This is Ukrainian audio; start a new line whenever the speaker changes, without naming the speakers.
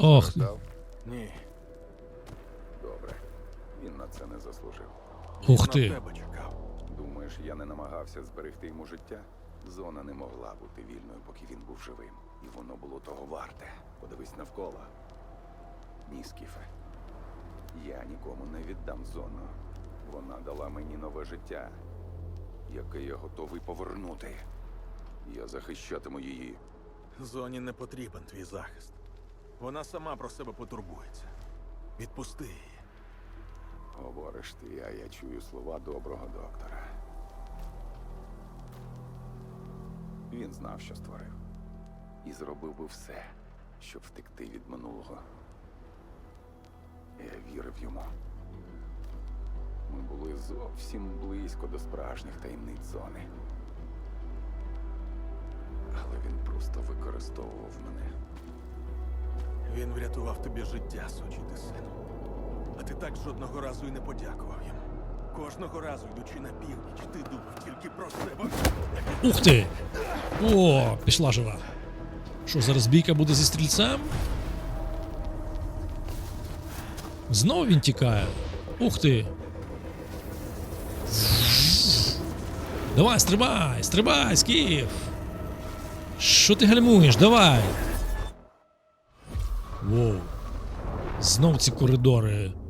Ох.
Постраждав?
Ні,
Добре. Він на це не заслужив.
Ух
на
ти.
тебе чекав.
Думаєш, я не намагався зберегти йому життя? Зона не могла бути вільною, поки він був живим. І воно було того варте. Подивись навколо. Ні, Скіфе. Я нікому не віддам зону. Вона дала мені нове життя, яке я готовий повернути. Я захищатиму її.
Зоні не потрібен твій захист. Вона сама про себе потурбується. Відпусти її.
Говориш ти, а я чую слова доброго доктора. Він знав, що створив. І зробив би все, щоб втекти від минулого. Я вірив йому. Ми були зовсім близько до справжніх таємниць зони. Але він просто використовував мене.
Він врятував тобі життя, сучий ти сину. А ти так жодного разу і не подякував йому. Кожного разу, йдучи на північ, ти думав тільки про себе.
Ух ти! О, пішла жива. Що, зараз бійка буде зі стрільцем? Знову він тікає. Ух ти! Давай, стрибай, стрибай, Скіф! Що ти гальмуєш? Давай! Воу. Знов ці коридори.